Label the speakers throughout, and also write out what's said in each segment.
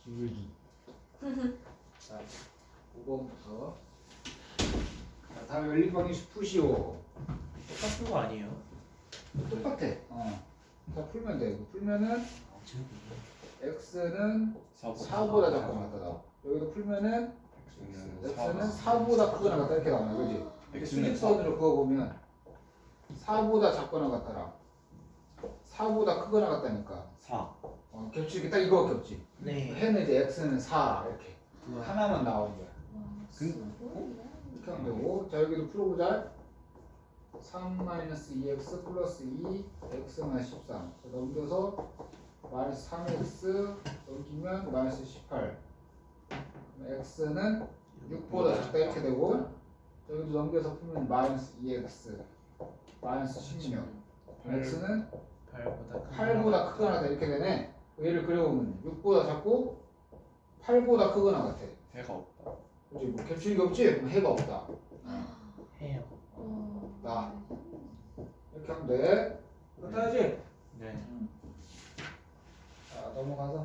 Speaker 1: 기울기. 자, 5번부터. 자, 다음 연립방정식 푸시오.
Speaker 2: 똑같은 거 아니에요?
Speaker 1: 똑같아. 다 풀면 돼. 이거 풀면은 x는 4보다 작거나 같다. 여기도 풀면은 x는 4보다 크거나 같다 이렇게 나오네, 그렇지? 수직선으로 그어보면 4보다 작거나 같다라 4보다 크거나 같다니까
Speaker 2: 4.
Speaker 1: 겹치기 딱 이거밖에 없지.
Speaker 2: 네.
Speaker 1: 해는 이제 x는 4 이렇게 하나만 나오는 거야. 이렇게 하면 되고, 자 여기도 풀어보자. 3-2x 플러스 2 x는 13. 넘겨서 마이너스 3x 넘기면 마이너스 18. x는 6보다 작다 이렇게 되고, 여기도 넘겨서 풀면 마이너스 2x 마이너스 16. x는 8보다 크거나 같다 이렇게 되네. 얘를 그려보면 6보다 작고 8보다 크거나 같아.
Speaker 2: 해가 없다.
Speaker 1: 그렇지? 뭐 겹치기가 없지? 그럼 해가 없다.
Speaker 2: 해요.
Speaker 1: 나 이렇게 하면 돼. 그렇다지?
Speaker 2: 네.
Speaker 1: 자 넘어가서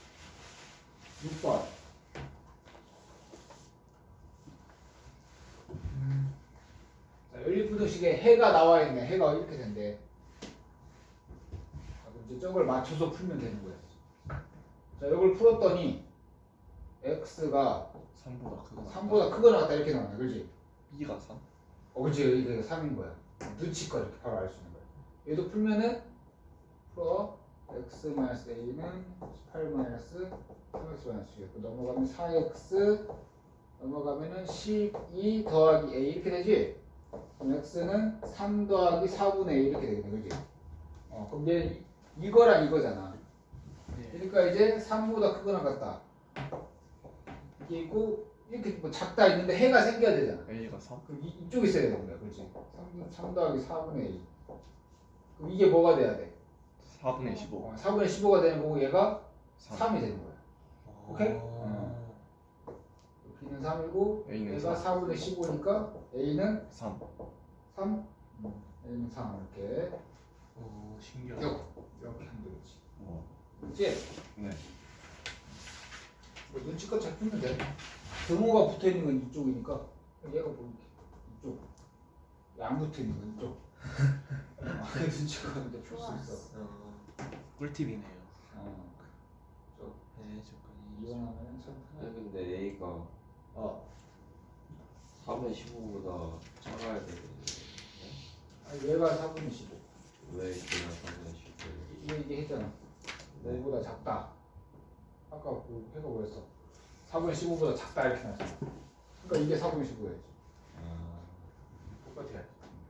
Speaker 1: 6번. 자 연립부등식에 해가 나와 있네. 해가 이렇게 된대. 자, 그럼 이제 저걸 맞춰서 풀면 되는 거야. 자 이걸 풀었더니 x가
Speaker 2: 3보다 크고
Speaker 1: 3보다 크거나 같다 이렇게 나오네. 그렇지?
Speaker 2: B가 3?
Speaker 1: 그렇지. 이게 3인 거야. 눈치껏 이렇게 바로 알 수 있는 거야. 얘도 풀면은 풀어 x-a는 18-3x-6 넘어가면 4x 넘어가면은 12 더하기 a 이렇게 되지? 그럼 x는 3 더하기 4분의 a 이렇게 되겠네. 그지? 그럼 이제 이거랑 이거잖아.
Speaker 2: 네.
Speaker 1: 그러니까 이제 3보다 크거나 같다. 이게 있고 이렇게 뭐 작다 있는데 해가 생겨야 되잖아.
Speaker 2: A가 3?
Speaker 1: 그럼 이쪽에 있어야 되는 거야. 그렇지? 3 더하기 4분의 2. 그럼 이게 뭐가 돼야 돼?
Speaker 2: 4분의 15.
Speaker 1: 4분의 15가 되는 거고 얘가
Speaker 2: 3.
Speaker 1: 3이 되는 거야. 오케이? B는 3이고
Speaker 2: A는
Speaker 1: 얘가
Speaker 2: 4.
Speaker 1: 4분의 15니까 A는
Speaker 2: 3.
Speaker 1: 3? A는 3 이렇게
Speaker 2: 오, 신기하다.
Speaker 1: 이렇게 하면 되겠지.
Speaker 2: 어.
Speaker 1: 그렇지?
Speaker 2: 네.
Speaker 1: 뭐 눈치껏 잘 풀면 돼. 등호가 붙어있는 건 이쪽이니까 얘가 뭐 이쪽 안 붙어있는 건 이쪽 눈치껏 이제 풀 수 있어.
Speaker 2: 꿀팁이네요. 네, 조건이.
Speaker 1: 이용하면 참
Speaker 3: 아니 근데 A가 3의 15보다 작아야 되는데
Speaker 1: 얘가 4분의 15
Speaker 3: 왜 걔가 3의 15?
Speaker 1: 이거 이게 했잖아. 너보다 작다. 아까 그 해가 뭐였어? 4분의 15보다 작다 이렇게 나왔잖아. 그러니까 이게 4분의 15야지. 똑같아.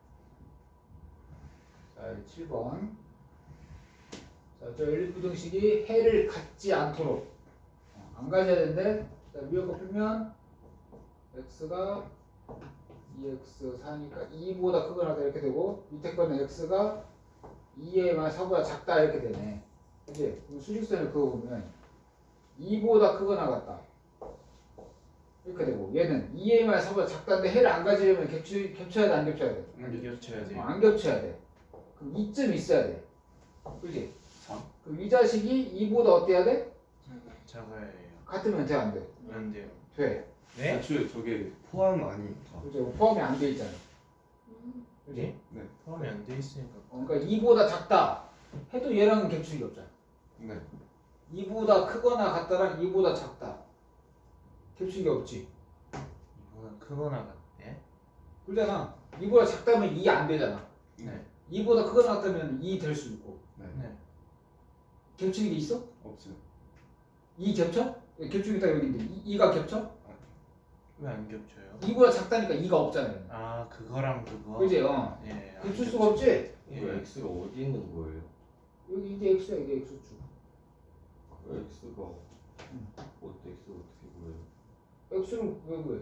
Speaker 1: 자, 7번. 자, 저 연립부등식이 해를 갖지 않도록 안 가져야 되는데, 자, 위에 거 풀면 x가 2x 4니까 2보다 크거나 같다 이렇게 되고, 밑에 거는 x가 2의 만 4보다 작다 이렇게 되네. 그치? 그럼 수직선을 그어보면 2보다 크거나 같다 이렇게 되고, 얘는 2의 만 4보다 작다인데 해를 안 가지려면 겹쳐야 돼, 안 겹쳐야 돼?
Speaker 2: 안 겹쳐야 돼요.
Speaker 1: 안 겹쳐야 돼. 그럼 이쯤 있어야 돼. 그지?
Speaker 2: 3?
Speaker 1: 그럼 이 자식이 2보다 어때야 돼?
Speaker 2: 작아야 해요.
Speaker 1: 같으면 돼, 안 돼?
Speaker 2: 안 돼요.
Speaker 1: 돼.
Speaker 2: 네?
Speaker 4: 애초에 저게 포함 아니니까.
Speaker 1: 그죠? 포함이 안 돼 있잖아. 그지?
Speaker 2: 네? 포함이 안 돼 있으니까.
Speaker 1: 그러니까 2보다 작다 해도 얘랑은 겹치기 없잖아.
Speaker 4: 네.
Speaker 1: 2보다 크거나 같다랑 2보다 작다. 겹치기 없지.
Speaker 2: 이거는 크거나 같네.
Speaker 1: 그러잖아. 2보다 작다면 2 안 되잖아.
Speaker 2: 네.
Speaker 1: 2보다 크거나 같다면 2 될 수 있고.
Speaker 4: 네.
Speaker 2: 네.
Speaker 1: 겹치기 있어?
Speaker 4: 없어요.
Speaker 1: 2 겹쳐? 겹치기 딱 여기인데 2가 겹쳐?
Speaker 2: 왜 안 겹쳐요?
Speaker 1: 2보다 작다니까 2가 없잖아요.
Speaker 2: 아, 그거랑 그거.
Speaker 1: 그지?
Speaker 2: 예. 안
Speaker 1: 겹칠
Speaker 2: 겹쳐.
Speaker 1: 수가 없지?
Speaker 2: 예.
Speaker 3: 그 X가 어디 있는 거예요?
Speaker 1: 여기 이게 X야, 이게 X축.
Speaker 3: 그 X가 어떻게 X가 어떻게 보여요?
Speaker 1: X를 왜 구해?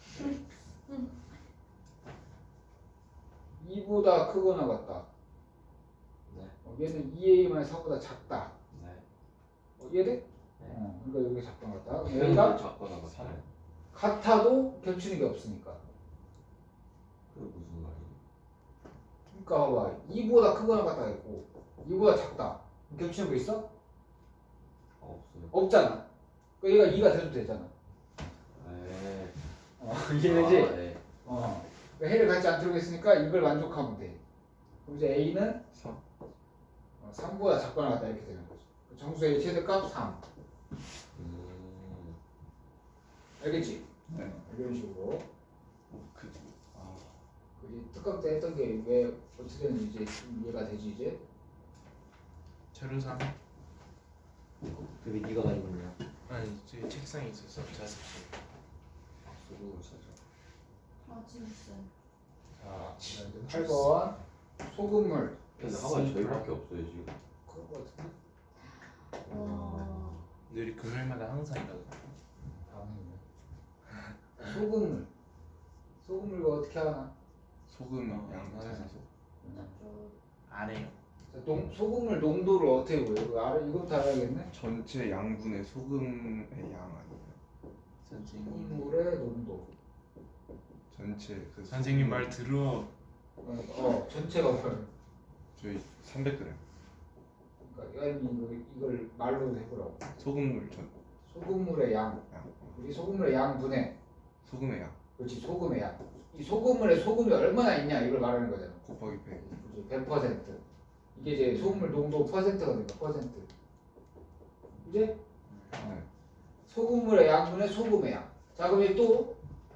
Speaker 1: 2보다 크거나 같다.
Speaker 3: 네.
Speaker 1: 얘는 2A만 4보다 작다.
Speaker 3: 네.
Speaker 1: 이해돼?
Speaker 3: 네.
Speaker 1: 그러니까 여기 작거나 같다.
Speaker 3: X가
Speaker 1: 얘가
Speaker 3: 작거나 같아요.
Speaker 1: 같아도 겹치는 게 없으니까.
Speaker 3: 그게 무슨 말이에요?
Speaker 1: 그러니까 봐봐. 2보다 크거나 같다 했고 2보다 작다. 겹치는 거 있어?
Speaker 3: 없어요.
Speaker 1: 없잖아. 그러니까 얘가 2가 돼도 되잖아.
Speaker 3: 네.
Speaker 1: 이해되지?
Speaker 3: 네.
Speaker 1: 그러니까 해를 같이 안 들어가 있으니까 이걸 만족하면 돼. 그럼 이제 A는
Speaker 4: 3.
Speaker 1: 3보다 작거나 같다 이렇게 되는 거지. 정수의 최대값 3. 알겠지?
Speaker 4: 네.
Speaker 1: 이런 식으로.
Speaker 4: 그
Speaker 1: 그지? 특강 때 했던 게 왜 어떻게 되는지 이제 이해가 되지 이제?
Speaker 2: 자료상
Speaker 3: 그게 네가 가진 거냐?
Speaker 2: 아니 제 책상에 있어서 자습실.
Speaker 3: 소금을 사자.
Speaker 5: 아 재밌어요.
Speaker 1: 자, 이제 8번 소금물.
Speaker 3: 근데 하반이 저희밖에 없어요 지금.
Speaker 1: 그런 거 같은데?
Speaker 5: 와.
Speaker 2: 근데 우리 금요일마다 항상 이러거든.
Speaker 1: 다음에 소금물. 소금물 이거 어떻게 하나?
Speaker 4: 소금
Speaker 2: 어,
Speaker 4: 양
Speaker 2: 맞아요.
Speaker 4: 찾아서
Speaker 2: 안 해요.
Speaker 1: 자, 소금물 농도를 어떻게 보여? 이거 알아? 이것부터 알아야겠네.
Speaker 4: 전체 양분의 소금의 양 아니에요?
Speaker 2: 선생님.
Speaker 1: 소금물의 농도.
Speaker 4: 전체 그
Speaker 2: 선생님
Speaker 4: 소금-
Speaker 2: 말 들어.
Speaker 1: 전체가 뭐야?
Speaker 4: 저희 300g
Speaker 1: 그러니까 이걸 말로 해보라고.
Speaker 4: 소금물 전
Speaker 1: 소금물의 양.
Speaker 4: 양.
Speaker 1: 우리 소금물의 양분의
Speaker 4: 소금의 양
Speaker 1: 그렇지 소금의 양. 이 소금물에 소금이 얼마나 있냐 이걸 말하는 거잖아.
Speaker 4: 곱하기 100.
Speaker 1: 그렇지 100%. 이게 이제 소금물 농도 퍼센트가 되니까 퍼센트. 이제
Speaker 4: 네.
Speaker 1: 소금물의 양분의 소금의 양. 자 그럼 또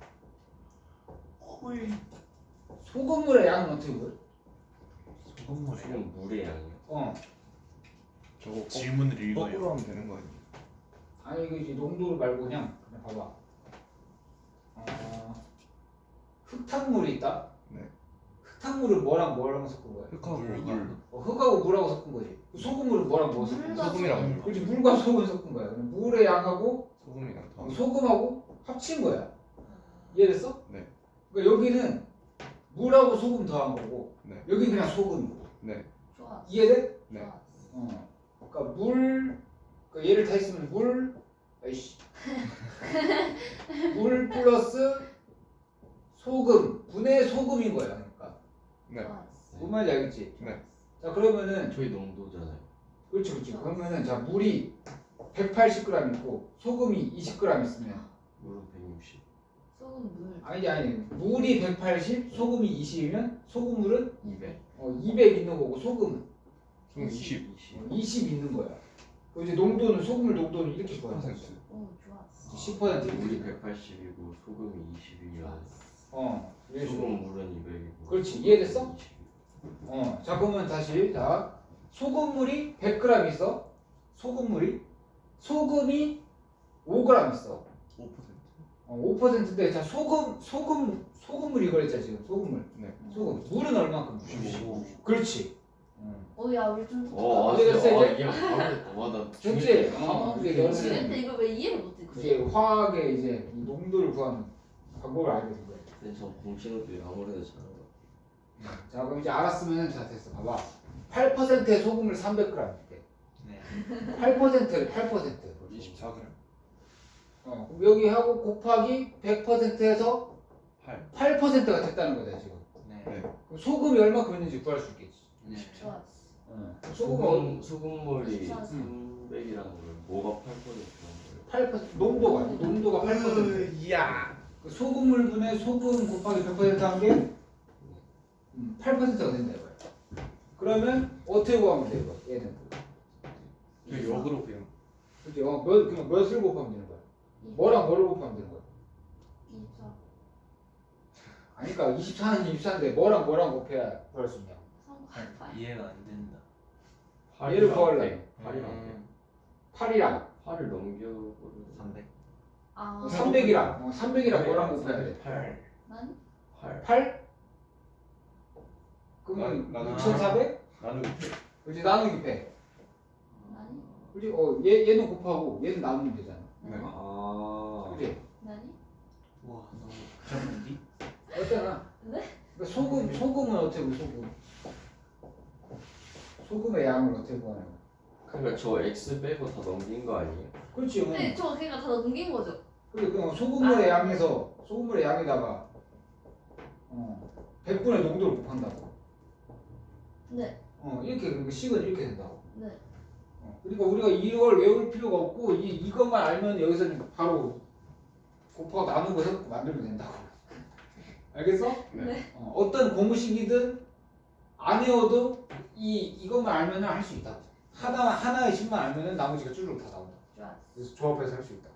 Speaker 1: 소금물의 양은 어떻게 보여?
Speaker 2: 소금물이요.
Speaker 3: 소금 물의 양이요.
Speaker 4: 저거 거,
Speaker 2: 질문을 읽어요.
Speaker 4: 거꾸로 하면 되는 거 아니에요?
Speaker 1: 아니 이거 이제 농도를 말고 그냥 봐봐. 흑탕물이 있다.
Speaker 4: 네.
Speaker 1: 흑탕물은 뭐랑 섞은 거야?
Speaker 4: 흙하고
Speaker 2: 물.
Speaker 4: 물.
Speaker 1: 흑하고 물하고 섞은 거지. 소금물은 뭐랑 뭐 섞은 거야?
Speaker 5: 물과
Speaker 4: 소금이랑 물.
Speaker 1: 그렇지 물과 소금 섞은 거야. 그럼 물의 양하고
Speaker 4: 소금이랑 더.
Speaker 1: 소금하고 합친 거야. 이해됐어?
Speaker 4: 네.
Speaker 1: 그러니까 여기는 물하고 소금 더한 거고
Speaker 4: 네.
Speaker 1: 여기 그냥 소금이고.
Speaker 4: 네.
Speaker 5: 좋아.
Speaker 1: 이해돼?
Speaker 4: 네.
Speaker 5: 좋아.
Speaker 1: 그러니까 그러니까 얘를 다 있으면 물 플러스 소금 분의 소금인 거야. 그러니까
Speaker 4: 네.
Speaker 5: 좋아.
Speaker 1: 뭔 말인지 알겠지?
Speaker 4: 네.
Speaker 1: 자 그러면은
Speaker 3: 저희 농도잖아요.
Speaker 1: 그렇지. 그러면은 자 물이 180g 있고 소금이 20g 있으면
Speaker 3: 물은 160.
Speaker 5: 소금 물.
Speaker 1: 아니 물이 180 소금이 20이면 소금물은
Speaker 3: 200.
Speaker 1: 200 있는 거고 소금은
Speaker 4: 소금 20.
Speaker 1: 20 있는 거야. 그럼 이제 농도는 소금물 농도는 이렇게 구하는
Speaker 4: 10%.
Speaker 1: 거지.
Speaker 5: 오 좋아.
Speaker 1: 10%
Speaker 3: 물이
Speaker 1: 이렇게.
Speaker 3: 180이고 소금이 20이면
Speaker 1: 이런 식으로.
Speaker 3: 소금 물은 200이고.
Speaker 1: 그렇지, 이해됐어? 자 그러면 다시 자 소금물이 100g 있어. 소금이 5g 있어.
Speaker 4: 5%.
Speaker 1: 5%인데 자 소금물 이거 했잖아 지금 소금물.
Speaker 4: 네.
Speaker 1: 소금 물은 얼마큼?
Speaker 3: 95.
Speaker 1: 그렇지.
Speaker 5: 오야 우리 좀
Speaker 1: 이제 됐어, 이제?
Speaker 3: 이게 바로 나
Speaker 1: 됐지?
Speaker 5: 지는데
Speaker 1: 이게 너는
Speaker 5: 이걸 왜 이해를 못했지?
Speaker 1: 이제 화학의 이제 이 농도를 구하는 방법을 알게 된 거야.
Speaker 3: 근데 저 공식으로 아무래도 잘한 거.
Speaker 1: 자 그럼 이제 알았으면 자 됐어. 봐봐. 8%의 소금을 300g 줄게.
Speaker 2: 네.
Speaker 1: 8%를 8%.
Speaker 4: 24g.
Speaker 1: 그럼 여기 하고 곱하기 100%에서
Speaker 4: 8.
Speaker 1: 8%가 됐다는 거다 지금.
Speaker 2: 네.
Speaker 4: 네.
Speaker 1: 그럼 소금이 얼마큼 있는지 구할 수 있겠지.
Speaker 2: 네.
Speaker 5: 좋아.
Speaker 3: 소금물이
Speaker 5: 음.
Speaker 3: 300이라는 걸 뭐가 8%인 거예요?
Speaker 1: 8% 농도가 8%.
Speaker 2: 야.
Speaker 1: 그 소금물분의 소금 곱하기 100% 한 게 8%가 된다 이거야. 그러면 어떻게 구하면 돼 이거? 얘는.
Speaker 4: 그 역으로 그냥
Speaker 1: 그지? 그냥 몇을 곱하면 되는 거야? 뭐랑 뭐를 곱하면 되는 거야?
Speaker 5: 24.
Speaker 1: 아니 그러니까 24는 24인데 뭐랑 곱해야 구할 수 있냐?
Speaker 5: 3.
Speaker 2: 이해가 안 된다.
Speaker 1: 얘를 구하려면
Speaker 2: 8이랑
Speaker 1: 8이랑
Speaker 3: 8을 넘겨버리면
Speaker 2: 300.
Speaker 5: 아.
Speaker 1: 300이랑 뭐랑 곱해야 돼?
Speaker 2: 8.
Speaker 5: 난
Speaker 1: 8? 그러면
Speaker 4: 나는
Speaker 1: 2400?
Speaker 4: 나누기 100.
Speaker 1: 그렇지 나누기 100.
Speaker 5: 나니?
Speaker 1: 그렇지? 얘는 곱하고 얘는 나누면 되잖아.
Speaker 4: 네.
Speaker 3: 아
Speaker 1: 그렇지?
Speaker 5: 나니?
Speaker 2: 와 너무 복잡한디?
Speaker 1: 어때나?
Speaker 5: 네?
Speaker 1: 그러니까 소금은 어떻게 보 소금의 양을 어떻게 구하냐고.
Speaker 3: 그러니까 저 X 빼고 다 넘긴 거 아니에요?
Speaker 1: 그렇지.
Speaker 5: 네, 저 그러니까 다 넘긴 거죠.
Speaker 1: 그래 그냥 소금물의 양에서 소금물의 양에다가 100분의 농도를 곱한다고.
Speaker 5: 네.
Speaker 1: 이렇게 그러니까 식은 이렇게 된다고.
Speaker 5: 네.
Speaker 1: 그러니까 우리가 이걸 외울 필요가 없고 이것만 알면 여기서는 바로 곱하고 나누고 해서 만들면 된다고. 알겠어?
Speaker 5: 네.
Speaker 1: 어떤 공식이든 안 외워도 이것만 알면 할 수 있다고. 하나의 식만 알면 나머지가 쭈르륵 다 나온다.
Speaker 5: 좋았어.
Speaker 1: 그래서 조합해서 할 수 있다고.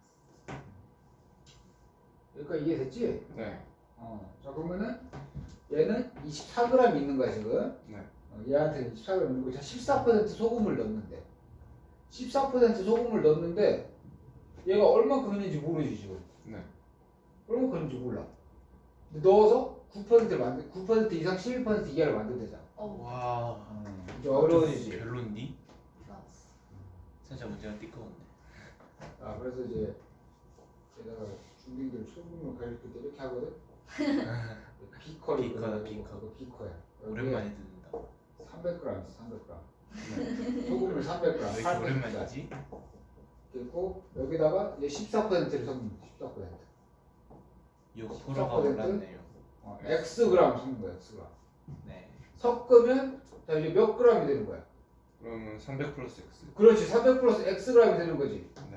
Speaker 1: 여기까지 이해됐지?
Speaker 4: 네.
Speaker 1: 자 그러면은 얘는 24g 있는 거야 지금.
Speaker 4: 네.
Speaker 1: 얘한테 24g 있는 거. 자 14% 소금을 넣는데 14% 소금을 넣는데 얘가 얼마큼 있는지 모르지 지금.
Speaker 4: 네.
Speaker 1: 얼마큼 있는지 몰라. 근데 넣어서 9%를 9% 이상 11% 이하를 만들되잖아.
Speaker 2: 와.
Speaker 1: 이제 어려워지지.
Speaker 2: 별론디?
Speaker 5: 좋았어.
Speaker 2: 살짝 문제가 띠꺼운데.
Speaker 1: 그래서 이제 게다가 중딩들 소금을 가릴 때 이렇게 하거든. 비커를
Speaker 2: 비커다,
Speaker 1: 그리고
Speaker 2: 비커.
Speaker 1: 그거 비커야.
Speaker 2: 오랜만에 듣는다.
Speaker 1: 300g 있어 300g. 소금을 300g.
Speaker 2: 왜 이렇게 오랜만이지?
Speaker 1: 그리고 여기다가 이제 14%를 섞는 거야. 14%.
Speaker 2: 이거 프로가
Speaker 1: 14%?
Speaker 2: 올랐네요.
Speaker 1: xg 섞는 거야 xg.
Speaker 2: 네.
Speaker 1: 섞으면 자 이제 몇 g이 되는 거야?
Speaker 4: 그러면 300 플러스 x.
Speaker 1: 그렇지 300 플러스 xg이 되는 거지.
Speaker 4: 네.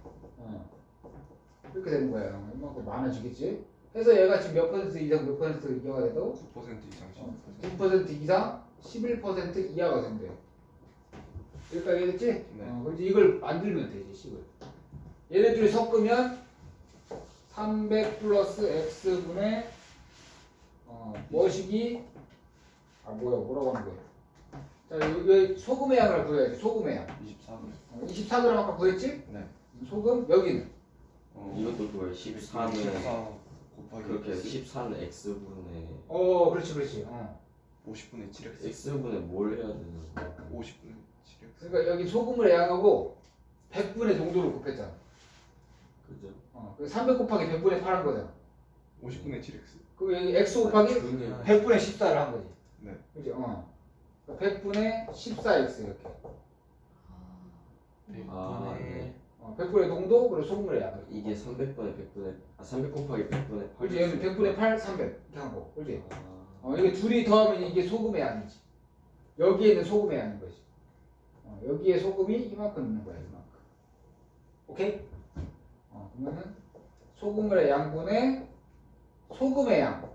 Speaker 1: 이렇게 되는 거야. 이만큼 많아지겠지. 그래서 얘가 지금 몇 퍼센트 이상 몇 퍼센트 이하가 돼도
Speaker 4: 9% 이상 10%.
Speaker 1: 9% 이상 11% 이하가 된대. 여기까지 이해됐지?
Speaker 4: 네.
Speaker 1: 그래서 이걸 만들면 되지 식을. 얘네들이 섞으면 300 플러스 x분의 뭐식이 뭐라고 하는 거야? 자 여기 소금의 양을 구해야지. 소금의 양
Speaker 4: 24g.
Speaker 1: 24g 아까 구했지?
Speaker 4: 네.
Speaker 1: 소금 여기는
Speaker 3: 이것도 그거예요. 14는
Speaker 4: 14 곱하기
Speaker 3: 그렇게
Speaker 4: x.
Speaker 3: 14는 x분의
Speaker 1: 그렇지
Speaker 4: 50분의 7x.
Speaker 3: x분의 뭘 해야 되는 거야?
Speaker 4: 50분의 7x.
Speaker 1: 그러니까 여기 소금의 양하고 100분의 농도를 곱했잖아.
Speaker 3: 그죠?
Speaker 1: 그래서 300 곱하기 100분의 8 한 거잖아.
Speaker 4: 50분의 7x.
Speaker 1: 그럼 여기 x 곱하기
Speaker 3: 그게
Speaker 1: 100분의 14를 한 거지.
Speaker 4: 네.
Speaker 1: 그지? 100분의 14x 이렇게.
Speaker 3: 아,
Speaker 2: 100분의
Speaker 3: 네.
Speaker 1: 100분의 농도 그리고 소금의 양.
Speaker 3: 이게 300분의 100분의 300 곱하기 100분의 8.
Speaker 1: 그지? 얘는 100분의 8, 300 이렇게 한 거. 그지?
Speaker 3: 아,
Speaker 1: 이게 둘이 더하면 이게 소금의 양이지. 여기에는 소금의 양인 거지. 여기에 소금이 이만큼 있는 거야, 이만큼. 오케이? 그러면은 소금의 양분의 소금의 양.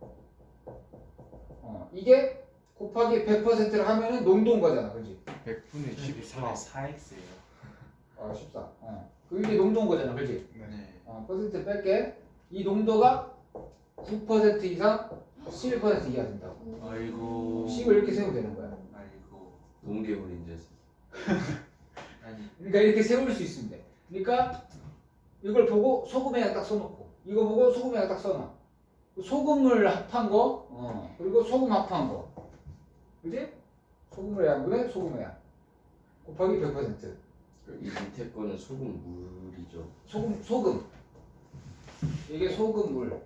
Speaker 1: 이게 곱하기 100%를 하면은 농도인 거잖아, 그지?
Speaker 4: 100분의 14.
Speaker 2: 14x예요.
Speaker 1: 14. 이게 농도인 거잖아, 그지?
Speaker 4: 네.
Speaker 2: 네.
Speaker 1: 퍼센트 뺄게. 이 농도가 9% 이상 11% 이하 된다고.
Speaker 2: 아이고.
Speaker 1: 식을 이렇게 세우면 되는 거야.
Speaker 2: 아이고.
Speaker 3: 동계물인데.
Speaker 2: 아니.
Speaker 1: 그러니까 이렇게 세울 수 있으면 돼. 그러니까 이걸 보고 소금의 양 딱 써놓고, 이거 보고 소금의 양 딱 써놔. 소금을 합한 거, 그리고 소금 합한 거, 그지? 소금의 양분의 소금의 양 곱하기 100%.
Speaker 3: 이 밑에 거는 소금 물이죠.
Speaker 1: 소금. 이게 소금물.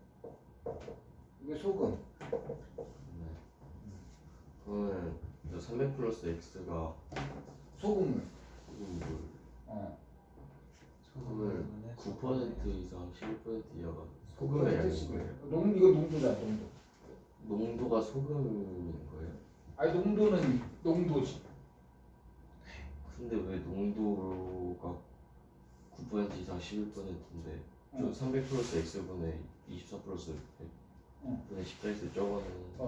Speaker 1: 이게 소금.
Speaker 3: 네. 그러면 300 플러스 x가
Speaker 1: 소금물.
Speaker 3: 소금 물.
Speaker 2: 소금은
Speaker 3: 9% 이상 11% 이하가 소금의 양인 거예요.
Speaker 1: 이거 농도다, 농도.
Speaker 3: 농도가 소금인 거예요?
Speaker 1: 아니 농도는 농도지.
Speaker 3: 근데 왜 농도가 9% 이상 11%인데 저 300 플러스 x분의 24 플러스 100분의 14x 적어는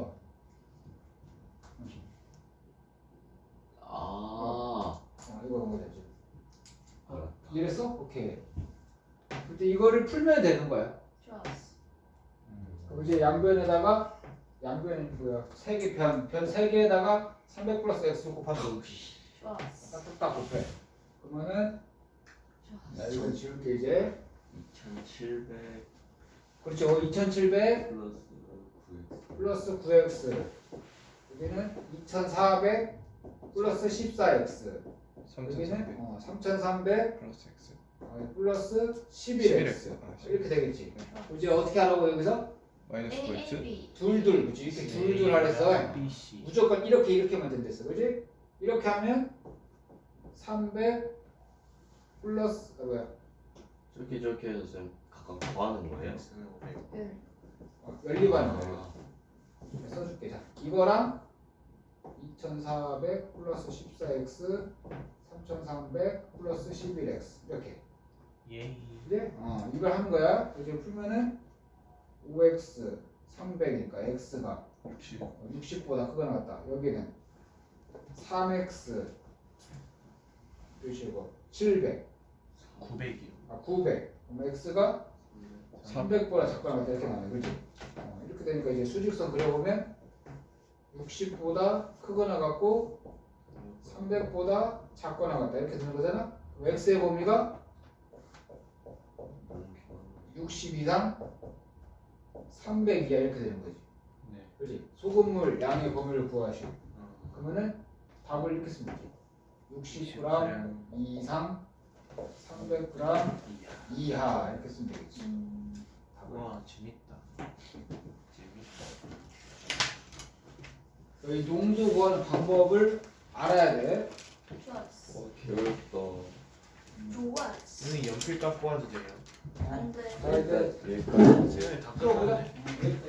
Speaker 1: 이거 보면 되지.
Speaker 3: 알았다.
Speaker 1: 이랬어? 오케이. 근데 이거를 풀면 되는 거야.
Speaker 5: 좋았어.
Speaker 1: 그럼 이제 양변에다가 양변이 뭐야? 편 3개에다가 300 플러스 x 곱하면
Speaker 5: 좋았어.
Speaker 1: 딱 곱해. 그러면은 자
Speaker 5: 좋았어.
Speaker 1: 이거 지울게 이제.
Speaker 3: 2700
Speaker 1: 그렇죠. 2700
Speaker 3: 플러스 9x
Speaker 1: 플러스 9x. 여기는 2400 플러스 14x. 여기는 3300
Speaker 4: 플러스 x.
Speaker 1: 플러스 11x. 이렇게 되겠지. 이제 어떻게 하라고 여기서?
Speaker 4: 마이너스 9x.
Speaker 5: A,
Speaker 1: 둘둘 그치? 이렇게 둘둘 하랬어.
Speaker 2: BC.
Speaker 1: 무조건 이렇게만 된댔어. 그지? 이렇게 하면 300 플러스
Speaker 3: 저렇게 해서 좀 각각 더하는 거예요?
Speaker 2: x는 500.
Speaker 5: 응.
Speaker 1: 연립하는 거야. 써줄게. 자, 이거랑 2400 플러스 14x 3300 플러스 11x 이렇게
Speaker 2: 예.
Speaker 1: 그래? 이걸 하는 거야. 이제 풀면은 5x 300이니까 x가
Speaker 4: 60.
Speaker 1: 60보다 크거나 같다. 여기는 3x 표시고 700
Speaker 2: 900이요.
Speaker 1: 900 그럼 x가 300보다 작거나 같다 이렇게 나와요. 그렇지? 이렇게 되니까 이제 수직선 그려보면 60보다 크거나 같고 300보다 작거나 같다 이렇게 되는 거잖아. 그럼 x의 범위가 60 이상 300 이하 이렇게 되는 거지.
Speaker 2: 네.
Speaker 1: 그렇지? 소금물 양의 범위를 구하시오. 그러면은 답을 이렇게 쓰면 되지. 60g 이상 300g 이하 이렇게 쓰면 되겠지. 답을.
Speaker 2: 와 재밌다. 재밌다.
Speaker 1: 여기 농도 구하는 방법을 알아야 돼.
Speaker 5: 좋았어.
Speaker 3: 어렵다.
Speaker 5: 좋았어.
Speaker 2: 선생님 연필 깎고 와도 돼요?
Speaker 5: 안 돼.
Speaker 1: 자 이제
Speaker 3: 여기까지.
Speaker 2: 시간이 다
Speaker 1: 풀어보자.
Speaker 2: 끝났네.